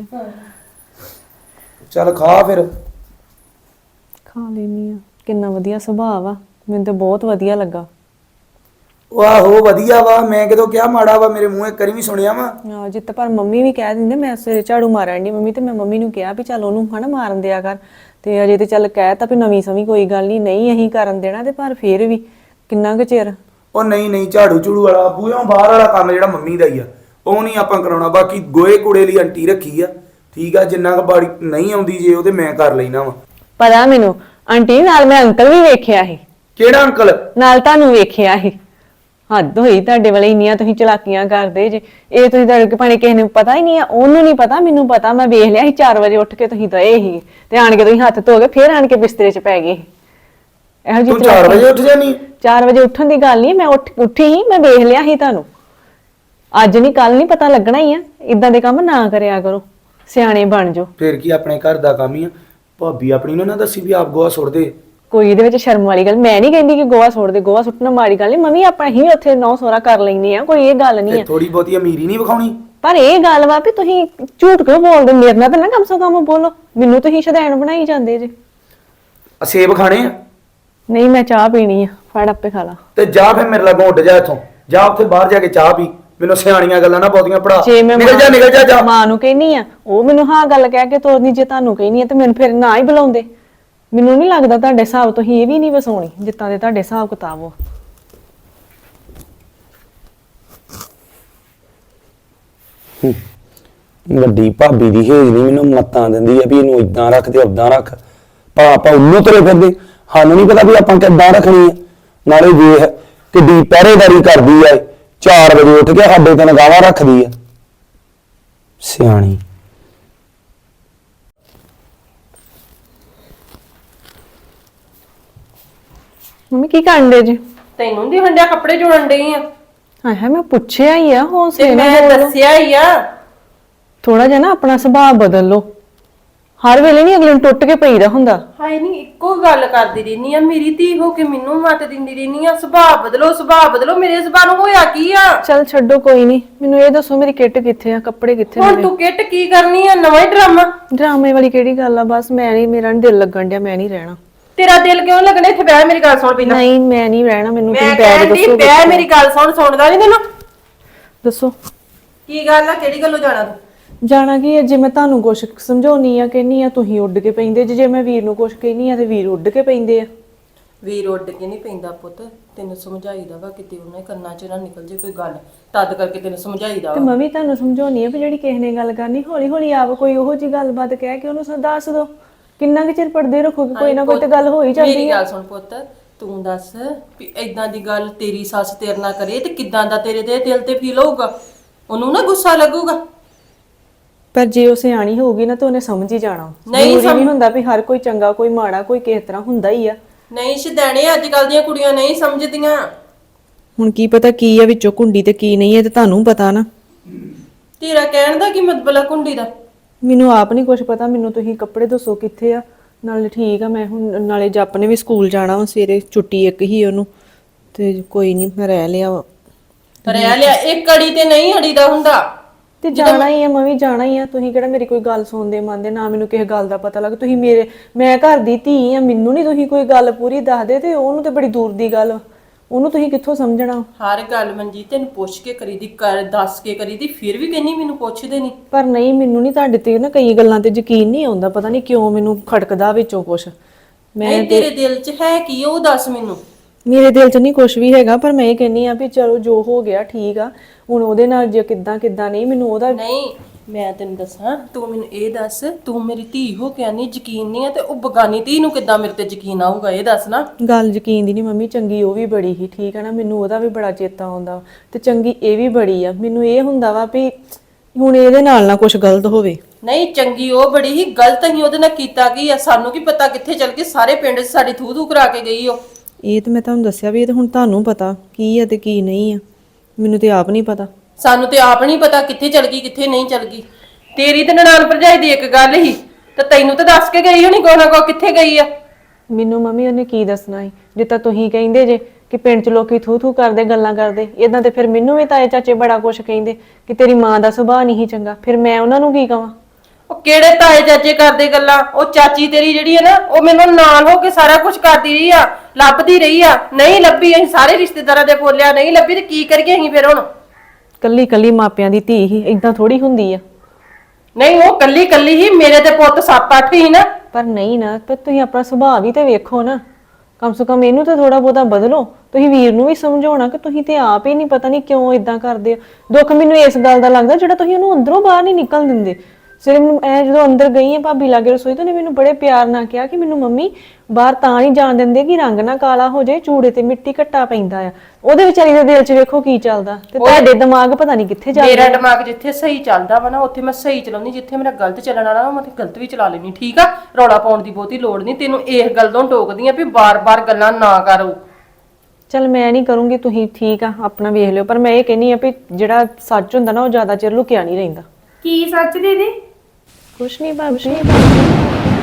D: ਚੱਲ ਖਾ ਫਿਰ।
C: ਖਾ ਲੈਣੀ ਆ। ਕਿੰਨਾ ਵਧੀਆ ਸੁਭਾਅ ਵਾ, ਮੈਨੂੰ ਤੇ ਬਹੁਤ ਵਧੀਆ ਲੱਗਾ।
D: ਆਹੋ ਵਧੀਆ ਵਾ, ਮੈਂ ਕਿਦੋਂ ਕਿਹਾ ਮਾੜਾ ਵਾ? ਮੇਰੇ ਮੂੰਹੇ ਕਰੀ ਵੀ ਸੁਣਿਆ ਵਾ।
C: ਹਾਂ ਜਿੱਤ ਪਰ ਮੰਮੀ ਵੀ ਕਹਿ ਦਿੰਦੇ, ਮੈਂ ਸਵੇਰੇ ਝਾੜੂ ਮਾਰਨ ਦੀ ਮੰਮੀ, ਤੇ ਮੈਂ ਮੰਮੀ ਨੂੰ ਕਿਹਾ ਵੀ ਚੱਲ ਉਹਨੂੰ ਹਨਾ ਮਾਰਨ ਦਿਆ ਕਰ, ਤੇ ਅਜੇ ਤੇ ਚੱਲ ਕਹਿਤਾ ਵੀ ਨਵੀਂ ਸਮੀ ਕੋਈ ਗੱਲ ਨਹੀਂ ਅਸੀਂ ਕਰਨ ਦੇਣਾ, ਤੇ ਪਰ ਫੇਰ ਵੀ ਕਿੰਨਾ ਕੁ ਚਿਰ।
D: ਉਹ ਨਹੀਂ ਝਾੜੂ ਝੂੜੂ ਵਾਲਾ ਬੂਹਿਓਂ ਬਾਹਰ ਵਾਲਾ ਕੰਮ ਜਿਹੜਾ ਮੰਮੀ ਦਾ ਹੀ ਆ, ਉਹ ਨਹੀਂ ਆਪਾਂ ਕਰਾਉਣਾ। ਬਾਕੀ ਗੋਏ ਕੂੜੇ ਲਈ ਆਂਟੀ ਰੱਖੀ ਆ, ਠੀਕ ਆ। ਜਿੰਨਾ ਕੁ ਬਾੜੀ ਨਹੀਂ ਆਉਂਦੀ ਜੇ ਉਹਦੇ ਮੈਂ ਕਰ ਲੈਣਾ ਵਾ।
C: ਪਤਾ ਮੈਨੂੰ ਆਂਟੀ ਨਾਲ ਮੈਂ ਅੰਕਲ ਵੀ ਵੇਖਿਆ ਸੀ,
D: ਕਿਹੜਾ ਅੰਕਲ?
C: ਨਾਲ ਤੁਹਾਨੂੰ ਵੇਖਿਆ ਸੀ। ਹੱਦ ਹੋਈ ਤੁਹਾਡੇ ਵਾਲੇ, ਇੰਨੀਆਂ ਤੁਸੀਂ ਚਲਾਕੀਆਂ ਕਰਦੇ ਜੇ। ਇਹ ਤੁਸੀਂ ਤੁਹਾਡੇ ਭਾਣੇ ਕਿਸੇ ਨੂੰ ਪਤਾ ਹੀ ਨਹੀਂ ਆ, ਉਹਨੂੰ ਨਹੀਂ ਪਤਾ, ਮੈਨੂੰ ਪਤਾ। ਮੈਂ ਵੇਖ ਲਿਆ ਸੀ 4 ਵਜੇ ਉੱਠ ਕੇ ਤੁਸੀਂ ਦਏ ਸੀ, ਤੇ ਆਣ ਕੇ ਤੁਸੀਂ ਹੱਥ ਧੋ ਕੇ ਫੇਰ ਆਣ ਕੇ ਬਿਸਤਰੇ 'ਚ ਪੈ ਗਏ। ਇਹੋ ਜਿਹੀ
D: ਤੂੰ 4 ਵਜੇ ਉੱਠ ਜਾਨੀ?
C: 4 ਵਜੇ ਉੱਠਣ ਦੀ ਗੱਲ ਨਹੀਂ, ਮੈਂ ਉੱਠੀ ਸੀ, ਮੈਂ ਵੇਖ ਲਿਆ ਸੀ ਤੁਹਾਨੂੰ। ਅੱਜ ਨਹੀਂ ਕੱਲ ਨਹੀਂ, ਪਤਾ ਲੱਗਣਾ ਹੀ ਆ। ਇਦਾਂ ਦੇ ਕੰਮ ਨਾ ਕਰਿਆ ਕਰੋ, ਸਿਆਣੇ ਬਣ ਜਾਓ।
D: ਫਿਰ ਕੀ ਆਪਣੇ ਘਰ ਦਾ ਕੰਮ ਹੀ ਆ। ਭਾਬੀ ਆਪਣੀ ਨੂੰ ਨਾ ਦੱਸੀ ਵੀ ਆਪ ਗੋਹਾ ਸੁੱਟਦੇ।
C: ਕੋਈ ਇਹਦੇ ਵਿੱਚ ਸ਼ਰਮ ਵਾਲੀ ਗੱਲ ਮੈਂ ਨਹੀਂ ਕਹਿੰਦੀ ਕਿ ਗੋਹਾ ਸੁੱਟ ਦੇ, ਗੋਹਾ ਸੁੱਟਣਾ ਮਾੜੀ ਗੱਲ ਨਹੀਂ। ਮੰਮੀ ਆਪਾਂ ਹੀ ਉੱਥੇ ਨੌ ਸੋਰਾ ਕਰ ਲੈਂਦੇ ਆ, ਕੋਈ ਇਹ ਗੱਲ ਨਹੀਂ ਆ।
D: ਥੋੜੀ ਬਹੁਤੀ ਅਮੀਰੀ ਨਹੀਂ ਵਿਖਾਉਣੀ।
C: ਪਰ ਇਹ ਗੱਲ ਵਾ ਵੀ ਤੁਸੀਂ ਝੂਠ ਕਿਉਂ ਬੋਲਦੇ? ਮੇਰੇ ਨਾਲ ਤਾਂ ਨਾ ਕਮ ਸੋ ਕਮ ਬੋਲੋ, ਮੈਨੂੰ ਤੁਸੀਂ ਸ਼ੁਦੈਣ ਬਣਾਈ ਜਾਂਦੇ ਜੇ।
D: ਸੇਬ ਖਾਣੇ ਆ?
C: ਨਹੀਂ ਮੈਂ ਚਾਹ ਪੀਣੀ ਆ, ਫੜ ਆਪੇ ਖਾ ਲਾ।
D: ਤੇ ਜਾ ਫਿਰ ਮੇਰੇ ਲਾਗੋਂ ਉੱਡ ਜਾ ਇੱਥੋਂ, ਜਾ ਉੱਥੇ ਬਾਹਰ ਜਾ ਕੇ ਚਾਹ ਪੀ। ਮੈਨੂੰ ਸਿਆਣੀਆਂ ਗੱਲਾਂ ਨਾ ਬਹੁਤੀਆਂ ਪੜਾ।
C: ਜੇ ਮੈਂ
D: ਨਿਕਲ ਜਾ
C: ਮਾਂ ਨੂੰ ਕਹਿਨੀ ਆ, ਉਹ ਮੈਨੂੰ ਹਾਂ ਗੱਲ ਕਹਿ ਕੇ ਤੋਰਨੀ। ਜੇ ਤੁਹਾਨੂੰ ਕਹਿਨੀ ਆ ਤੇ ਮੈਨੂੰ ਫਿਰ ਨਾ ਹੀ ਬੁਲਾਉਂਦੇ। ਮੈਨੂੰ ਨਹੀਂ ਲੱਗਦਾ ਤੁਹਾਡੇ ਹਿਸਾਬ ਤੋਂ ਹੀ ਇਹ ਵੀ ਨਹੀਂ ਵਸਾਉਣੀ, ਜਿੱਤਾਂ ਦੇ ਤੁਹਾਡੇ ਹਿਸਾਬ ਕਿਤਾਬ ਹੋ।
D: ਵੱਡੀ ਭਾਬੀ ਦੀ ਹੇਜਲੀ ਮੈਨੂੰ ਮੱਤਾਂ ਦਿੰਦੀ ਆ ਵੀ ਇਹਨੂੰ ਇਦਾਂ ਰੱਖ ਤੇ ਉਦਾਂ ਰੱਖ। ਆਪਾਂ ਉਹਨੂੰ ਤੁਰੇ ਫਿਰਦੇ, ਸਾਨੂੰ ਨਹੀਂ ਪਤਾ ਵੀ ਆਪਾਂ ਕਿੱਦਾਂ ਰੱਖਣੀ ਆ। ਨਾਲੇ ਵੇਖ ਕਿੱਡੀ ਪਹਿਰੇਦਾਰੀ ਕਰਦੀ ਆ, 4 ਵਜੇ ਉੱਠ ਕੇ ਸਾਡੇ ਤੇ ਨਿਗਾਹਾਂ ਰੱਖਦੀ ਆ, ਸਿਆਣੀ।
C: ਮੰਮੀ ਕੀ ਕਰਨ ਦੇ ਜੀ?
E: ਤੈਨੂੰ ਦੀ ਹੰਡਿਆ ਕੱਪੜੇ ਜੋੜਨ ਡਈ ਆ
C: ਹਾਏ ਮੈਂ ਪੁੱਛਿਆ ਹੀ ਆ
E: ਤੇ
C: ਹੌਸਲੇ ਨਾਲ
E: ਮੈਂ
C: ਬੋਲੋ।
E: ਦੱਸਿਆ ਹੀ ਆ।
C: ਥੋੜਾ ਜਿਹਾ ਨਾ ਆਪਣਾ ਸੁਭਾਅ ਬਦਲ ਲਓ। ਹਰ ਵੇਲੇ ਨਹੀਂ ਅਗਲੇ ਨੂੰ ਟੁੱਟ ਕੇ ਪਈਦਾ ਹੁੰਦਾ।
E: ਹਾਏ ਨਹੀਂ ਇੱਕੋ ਗੱਲ ਕਰਦੀ ਰਹਿਨੀ ਆ, ਮੇਰੀ ਧੀ ਹੋ ਕੇ ਮੈਨੂੰ ਮੱਤ ਦਿੰਦੀ ਰਹਿਨੀ ਆ, ਸੁਭਾਅ ਬਦਲੋ ਸੁਭਾਅ ਬਦਲੋ। ਮੇਰੇ ਸੁਭਾਅ ਨੂੰ ਹੋਇਆ ਕੀ ਆ?
C: ਚੱਲ ਛੱਡੋ ਕੋਈ ਨਹੀਂ, ਮੈਨੂੰ ਇਹ ਦੱਸੋ ਮੇਰੀ ਕਿੱਟ ਕਿੱਥੇ ਆ, ਕੱਪੜੇ ਕਿੱਥੇ
E: ਹੁਣ
C: ਮੇਰੇ?
E: ਤੂੰ ਕਿੱਟ ਕੀ ਕਰਨੀ ਆ? ਨਵਾਂ ਹੀ ਡਰਾਮਾ।
C: ਡਰਾਮੇ ਵਾਲੀ ਕਿਹੜੀ ਗੱਲ ਆ? ਬਸ ਮੈਂ ਨਹੀਂ, ਮੇਰਾ ਨਹੀਂ ਦਿਲ ਲੱਗਣ ਡਿਆ, ਮੈਂ ਨਹੀਂ ਰਹਿਣਾ।
E: ਤੇਰਾ ਦਿਲ ਕਿਉਂ ਲੱਗਣਾ? ਇੱਥੇ ਬਹਿ ਮੇਰੀ ਗੱਲ ਸੁਣ ਪਹਿਲਾਂ।
C: ਨਹੀਂ ਮੈਂ ਨਹੀਂ ਰਹਿਣਾ, ਮੈਨੂੰ
E: ਮੈਂ
C: ਤੁਸੀਂ ਬੈਗ
E: ਕਹਿੰਦੀ
C: ਦੱਸੋ।
E: ਬਹਿ ਮੇਰੀ ਗੱਲ ਸੁਣਦਾ ਨਹੀਂ ਤੈਨੂੰ?
C: ਦੱਸੋ
E: ਕੀ ਗੱਲ ਆ? ਕਿਹੜੀ ਗੱਲੋਂ ਜਾਣਾ ਤੂੰ?
C: ਜਾਣਾ ਕੀ ਹੈ? ਜੇ ਮੈਂ ਤੁਹਾਨੂੰ ਕੁਛ ਸਮਝਾਉਣੀ ਆ ਕਹਿੰਨੀ ਆ ਤੁਸੀਂ ਉੱਡ ਕੇ ਪੈਂਦੇ ਜੇ ਮੈਂ ਵੀਰ ਨੂੰ ਕੁਛ ਕਹਿੰਨੀ ਆ ਤੇ ਵੀਰ ਉੱਡ ਕੇ ਪੈਂਦੇ ਆ।
E: ਵੀਰ ਉੱਡ ਕੇ ਨਹੀਂ ਪੈਂਦਾ ਪੁੱਤ, ਤੈਨੂੰ ਸਮਝਾਈਦਾ ਵਾ ਕਿਤੇ ਉਹਨੇ ਕੰਨਾਂ 'ਚ ਨਾ ਨਿਕਲ ਜੇ ਕੋਈ ਗੱਲ, ਤਦ ਕਰਕੇ ਤੈਨੂੰ ਸਮਝਾਈਦਾ
C: ਤੇ
E: ਵਾ।
C: ਮੈਂ ਵੀ ਤੁਹਾਨੂੰ ਸਮਝਾਉਣੀ ਆ ਵੀ ਜਿਹੜੀ ਕਿਸੇ ਨੇ ਗੱਲ ਕਰਨੀ ਹੌਲੀ ਹੌਲੀ ਆਪ ਕੋਈ ਉਹੋ ਜੀ ਗੱਲਬਾਤ ਕਹਿ ਕੇ ਉਹਨੂੰ ਦੱਸ ਦੋ। ਕਿੰਨਾ ਕੁ ਚਿਰ ਪੜਦੇ ਰੱਖੋਗੇ? ਕੋਈ ਨਾ ਕੋਈ ਤੇ ਗੱਲ ਹੋ ਹੀ ਜਾਂਦੀ
E: ਮੇਰੀ
C: ਆ।
E: ਗੱਲ ਸੁਣ ਪੁੱਤ, ਤੂੰ ਦੱਸ ਵੀ ਏਦਾਂ ਦੀ ਗੱਲ ਤੇਰੀ ਸੱਸ ਤੇਰੇ ਨਾਲ ਕਰੇ ਤੇ ਕਿੱਦਾਂ ਦਾ ਤੇਰੇ ਦੇ ਦਿਲ ਤੇ ਫੀਲ ਹੋਊਗਾ? ਉਹਨੂੰ ਨਾ ਗੁੱਸਾ ਲੱਗੂਗਾ।
C: ਪਰ ਜੇ ਉਹ ਸਿਆਣੀ ਹੋਊਗੀ ਨਾ ਤਾਂ ਉਹਨੇ ਸਮਝ ਹੀ ਜਾਣਾ।
E: ਨਹੀਂ
C: ਜ਼ਰੂਰੀ ਨਹੀਂ ਹੁੰਦਾ ਵੀ ਹਰ ਕੋਈ ਚੰਗਾ ਕੋਈ ਮਾੜਾ ਕੋਈ ਕਿਸੇ ਤਰ੍ਹਾਂ ਹੁੰਦਾ ਹੀ ਆ।
E: ਨਹੀਂ ਸ਼ਦੈਣੇ ਅੱਜ ਕੱਲ ਦੀਆਂ ਕੁੜੀਆਂ ਨਹੀਂ ਸਮਝਦੀਆਂ।
C: ਹੁਣ ਕੀ ਪਤਾ ਕੀ ਆ ਵਿੱਚੋਂ ਕੁੰਡੀ ਤੇ ਕੀ ਨਹੀਂ ਹੈ ਤੇ ਤੁਹਾਨੂੰ ਪਤਾ ਨਾ।
E: ਤੇਰਾ ਕਹਿਣ ਦਾ ਕੀ ਮਤਲਬ ਆ ਕੁੰਡੀ ਦਾ?
C: ਮੈਨੂੰ ਆਪ ਨਹੀਂ ਕੁਝ ਪਤਾ। ਮੈਨੂੰ ਤੁਸੀਂ ਕੱਪੜੇ ਦੱਸੋ ਕਿੱਥੇ ਆ। ਨਾਲੇ ਠੀਕ ਆ, ਮੈਂ ਹੁਣ ਨਾਲੇ ਜੱਪ ਨੇ ਵੀ ਸਕੂਲ ਜਾਣਾ ਵਾ, ਸਵੇਰੇ ਛੁੱਟੀ ਇੱਕ ਹੀ ਉਹਨੂੰ, ਤੇ ਕੋਈ ਨਹੀਂ ਮੈਂ ਰਹਿ ਲਿਆ ਵਾ।
E: ਰਹਿ ਲਿਆ ਇੱਕ ਅੜੀ ਤੇ ਨਹੀਂ ਅੜੀਦਾ ਹੁੰਦਾ।
C: ਤੇ ਜਾਣਾ ਹੀ ਆ, ਮੈਂ ਵੀ ਜਾਣਾ ਹੀ ਆ। ਤੁਸੀਂ ਕਿਹੜਾ ਮੇਰੀ ਕੋਈ ਗੱਲ ਸੁਣਦੇ ਮੰਨਦੇ? ਨਾ ਮੈਨੂੰ ਕਿਸੇ ਗੱਲ ਦਾ ਪਤਾ ਲੱਗ। ਤੁਸੀਂ ਮੈਂ ਘਰ ਦੀ ਧੀ ਆ, ਮੈਨੂੰ ਨਹੀਂ ਤੁਸੀਂ ਕੋਈ ਗੱਲ ਪੂਰੀ ਦੱਸਦੇ ਤੇ ਉਹਨੂੰ ਤੇ ਬੜੀ ਦੂਰ ਦੀ ਗੱਲ, ਉਹਨੂੰ ਤੁਸੀਂ ਕਿੱਥੋਂ ਸਮਝਣਾ?
E: ਹਰ ਗੱਲ ਮਨਜੀਤ ਤੈਨੂੰ ਪੁੱਛ ਕੇ ਕਰੀਦੀ, ਕਰ ਦੱਸ ਕੇ ਕਰੀਦੀ, ਫਿਰ ਵੀ ਕਹਿੰਨੀ ਮੈਨੂੰ ਪੁੱਛਦੇ ਨਹੀਂ।
C: ਪਰ ਨਹੀਂ, ਮੈਨੂੰ ਨਹੀਂ ਤੁਹਾਡੇ ਤੇ ਨਾ ਕਈ ਗੱਲਾਂ ਤੇ ਯਕੀਨ ਨਹੀਂ ਆਉਂਦਾ। ਪਤਾ ਨਹੀਂ ਕਿਉਂ ਮੈਨੂੰ ਖੜਕਦਾ ਵਿੱਚੋਂ ਕੁਛ।
E: ਨਹੀਂ ਤੇਰੇ ਦਿਲ 'ਚ ਹੈ ਕੀ ਉਹ ਦੱਸ ਮੈਨੂੰ।
C: ਮੇਰੇ ਦਿਲ 'ਚ ਨਹੀਂ ਕੁਛ ਵੀ ਹੈਗਾ, ਪਰ ਮੈਂ ਇਹ ਕਹਿੰਨੀ ਆ ਵੀ ਚਲੋ ਜੋ ਹੋ ਗਿਆ ਠੀਕ ਆ। ਹੁਣ ਉਹਦੇ ਨਾਲ ਜੇ ਕਿੱਦਾਂ ਨਹੀਂ ਮੈਨੂੰ ਉਹਦਾ
E: ਨਹੀਂ ਮੈਂ ਤੈਨੂੰ ਦੱਸਾਂ, ਤੂੰ ਮੈਨੂੰ ਇਹ ਦੱਸ, ਤੂੰ ਮੇਰੀ ਧੀ ਹੋ ਕੇ ਨਹੀਂ ਯਕੀਨ ਨਹੀਂ ਆ ਤੇ ਉਹ ਬਗਾਨੀ ਧੀ ਨੂੰ ਕਿੱਦਾਂ ਮੇਰੇ ਤੇ ਯਕੀਨ ਆਊਗਾ? ਇਹ ਦੱਸ ਨਾ।
C: ਗੱਲ ਯਕੀਨ ਦੀ ਨਹੀਂ ਮੰਮੀ, ਚੰਗੀ ਉਹ ਵੀ ਬੜੀ ਹੀ ਠੀਕ ਆ ਨਾ, ਮੈਨੂੰ ਉਹਦਾ ਵੀ ਬੜਾ ਚੇਤਾ ਆਉਂਦਾ ਤੇ ਚੰਗੀ ਇਹ ਵੀ ਬੜੀ ਆ। ਮੈਨੂੰ ਇਹ ਹੁੰਦਾ ਵਾ ਵੀ ਹੁਣ ਇਹਦੇ ਨਾਲ ਨਾ ਕੁਝ ਗਲਤ ਹੋਵੇ।
E: ਨਹੀਂ ਚੰਗੀ ਉਹ ਬੜੀ ਹੀ, ਗਲਤ ਹੀ ਉਹਦੇ ਨਾਲ ਕੀਤਾ ਕੀ ਆ? ਸਾਨੂੰ ਕੀ ਪਤਾ ਕਿੱਥੇ ਚਲ ਗਈ? ਸਾਰੇ ਪਿੰਡ 'ਚ ਸਾਡੀ ਥੂ ਥੂ ਕਰਾ ਕੇ ਗਈ ਉਹ।
C: ਇਹ ਤੇ ਮੈਂ ਤੁਹਾਨੂੰ ਦੱਸਿਆ ਵੀ ਇਹ ਤੇ ਹੁਣ ਤੁਹਾਨੂੰ ਪਤਾ ਕੀ ਆ ਤੇ ਕੀ ਨਹੀਂ ਆ। ਮੈਨੂੰ ਤੇ ਆਪ ਨਹੀਂ ਪਤਾ।
E: ਸਾਨੂੰ ਤੇ ਆਪ ਨਹੀਂ ਪਤਾ ਕਿੱਥੇ ਚਲ ਗਈ ਕਿੱਥੇ ਨਹੀਂ ਚਲ ਗਈ। ਤੇਰੀ ਤੇ ਨਨਾਣ ਭਰਜਾਈ ਦੀ ਇੱਕ ਗੱਲ ਹੀ ਤੇ ਤੈਨੂੰ ਤਾਂ ਦੱਸ ਕੇ ਗਈ ਹੋਣੀ ਕੋਈ ਨਾ ਕੋਈ ਕਿੱਥੇ ਗਈ ਆ।
C: ਮੈਨੂੰ ਮੰਮੀ ਉਹਨੇ ਕੀ ਦੱਸਣਾ ਸੀ? ਜਿੱਦਾਂ ਤੁਸੀਂ ਕਹਿੰਦੇ ਜੇ ਕਿ ਪਿੰਡ 'ਚ ਲੋਕੀ ਥੂ ਥੂ ਕਰਦੇ ਗੱਲਾਂ ਕਰਦੇ, ਇਦਾਂ ਤੇ ਫਿਰ ਮੈਨੂੰ ਵੀ ਤਾਏ ਚਾਚੇ ਬੜਾ ਕੁਝ ਕਹਿੰਦੇ ਕਿ ਤੇਰੀ ਮਾਂ ਦਾ ਸੁਭਾਅ ਨਹੀਂ ਚੰਗਾ। ਫਿਰ ਮੈਂ ਉਹਨਾਂ ਨੂੰ ਕੀ ਕਵਾਂ?
E: ਉਹ ਕਿਹੜੇ ਤਾਏ ਚਾਚੇ ਕਰਦੇ ਗੱਲਾਂ? ਉਹ ਚਾਚੀ ਤੇਰੀ ਜਿਹੜੀ ਹੈ ਨਾ, ਉਹ ਮੈਨੂੰ ਨਾਲ ਹੋ ਕੇ ਸਾਰਾ ਕੁਝ ਕਰਦੀ ਰਹੀ ਆ, ਲੱਭਦੀ ਰਹੀ ਆ। ਨਹੀਂ ਲੱਭੀ, ਅਸੀਂ ਸਾਰੇ ਰਿਸ਼ਤੇਦਾਰਾਂ ਦੇ ਬੋਲਿਆ ਨਹੀਂ ਲੱਭੀ ਤੇ ਕੀ ਕਰੀਏ ਅਸੀਂ ਫਿਰ ਹੁਣ?
C: ਕੱਲੀ ਕੱਲੀ ਮਾਪਿਆਂ ਦੀ ਧੀ ਹੀ ਇਦਾਂ ਥੋੜੀ ਹੁੰਦੀ ਆ।
E: ਨਹੀਂ ਉਹ ਕੱਲੀ ਕੱਲੀ ਹੀ, ਮੇਰੇ ਤੇ ਪੁੱਤ 7-8 ਹੀ ਨਾ।
C: ਪਰ ਨਹੀਂ ਨਾ, ਪਰ ਤੁਸੀਂ ਆਪਣਾ ਸੁਭਾਅ ਵੀ ਤੇ ਵੇਖੋ ਨਾ। ਕਮ ਸੇ ਕਮ ਇਹਨੂੰ ਤਾਂ ਥੋੜਾ ਬਹੁਤਾ ਬਦਲੋ। ਤੁਸੀਂ ਵੀਰ ਨੂੰ ਵੀ ਸਮਝਾਉਣਾ ਕਿ ਤੁਸੀਂ ਤੇ ਆਪ ਹੀ ਨਹੀਂ, ਪਤਾ ਨਹੀਂ ਕਿਉਂ ਇਦਾਂ ਕਰਦੇ ਹੋ। ਦੁੱਖ ਮੈਨੂੰ ਇਸ ਗੱਲ ਦਾ ਲੱਗਦਾ ਜਿਹੜਾ ਤੁਸੀਂ ਉਹਨੂੰ ਅੰਦਰੋਂ ਬਾਹਰ ਨਹੀਂ ਨਿਕਲ ਦਿੰਦੇ। ਸਿਰ ਮੈਨੂੰ ਜਦੋਂ ਅੰਦਰ ਗਈ ਆ ਭਾਬੀ ਲਾਗੇ ਰਸੋਈ ਤੋਂ, ਨੇ ਮੈਨੂੰ ਬੜੇ ਪਿਆਰ ਨਾਲ ਕਿਹਾ ਕਿ ਮੈਨੂੰ ਮੰਮੀ ਬਾਹਰ ਤਾਂ ਨਹੀਂ ਜਾਣ ਦਿੰਦੇ ਕਿ ਰੰਗ ਨਾ ਕਾਲਾ ਹੋ ਜਾਏ, ਚੂੜੇ ਤੇ ਮਿੱਟੀ ਘੱਟਾ ਪੈਂਦਾ ਆ। ਉਹਦੇ ਵਿਚਾਰੀ ਦੇ ਦਿਲ 'ਚ ਵੇਖੋ ਕੀ ਚੱਲਦਾ ਤੇ ਤੁਹਾਡੇ ਦਿਮਾਗ ਪਤਾ ਨਹੀਂ ਕਿੱਥੇ ਜਾ
E: ਮੇਰਾ ਦਿਮਾਗ ਜਿੱਥੇ ਸਹੀ ਚੱਲਦਾ ਵਾ ਨਾ ਉੱਥੇ ਮੈਂ ਸਹੀ ਚਲਾਉਣੀ, ਜਿੱਥੇ ਮੇਰਾ ਗਲਤ ਚੱਲਣ ਵਾਲਾ ਮੈਂ ਗਲਤ ਵੀ ਚਲਾ ਲੈਣੀ। ਠੀਕ ਆ, ਰੌਲਾ ਪਾਉਣ ਦੀ ਬਹੁਤੀ ਲੋੜ ਨਹੀਂ। ਤੈਨੂੰ ਇਸ ਗੱਲ ਤੋਂ ਟੋਕਦੀ ਆ ਵੀ ਬਾਰ-ਬਾਰ ਗੱਲਾਂ ਨਾ ਕਰੋ।
C: ਚਲ ਮੈਂ ਨਹੀਂ ਕਰੂੰਗੀ, ਤੁਸੀਂ ਠੀਕ ਆ ਆਪਣਾ ਵੇਖ ਲਿਓ। ਪਰ ਮੈਂ ਇਹ ਕਹਿੰਨੀ ਆ ਵੀ ਜਿਹੜਾ ਸੱਚ ਹੁੰਦਾ ਨਾ ਉਹ ਜ਼ਿਆਦਾ ਚਿਰ ਲੁਕਿਆ ਨਹੀਂ ਰਹਿੰਦਾ।
A: ਕੀ ਸੱਚ ਦੀਦੀ?
C: ਕੁਛ ਨਹੀਂ ਭਾਬੀ।